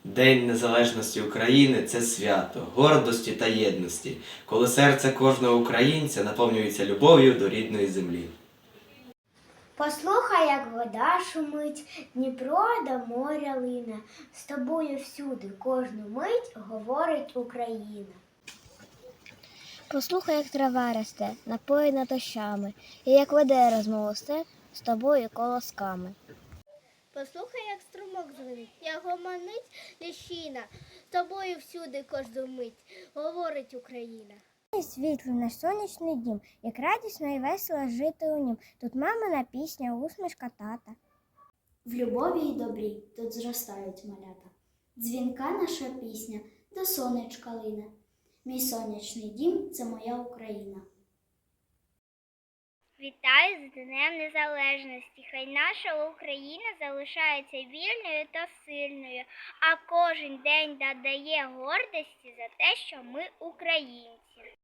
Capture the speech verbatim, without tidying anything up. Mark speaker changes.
Speaker 1: День Незалежності України – це свято, гордості та єдності, коли серце кожного українця наповнюється любов'ю до рідної землі.
Speaker 2: Послухай, як вода шумить, Дніпро до моря лине, з тобою всюди кожну мить говорить Україна.
Speaker 3: Послухай, як трава росте, напоїна дощами, і як веде розмову степ з тобою колосками.
Speaker 4: Послухай, як струмок дзвенить, як гомонить ліщина, з тобою всюди кожну мить говорить Україна.
Speaker 3: Світлий наш сонячний дім, як радісно і весело жити у нім. Тут мамина пісня, усмішка тата.
Speaker 5: В любові й добрі тут зростають малята. Дзвінка наша пісня до сонечка лине. Мій сонячний дім – це моя Україна.
Speaker 4: Вітаю з Днем Незалежності. Хай наша Україна залишається вільною та сильною, а кожен день додає гордості за те, що ми українці.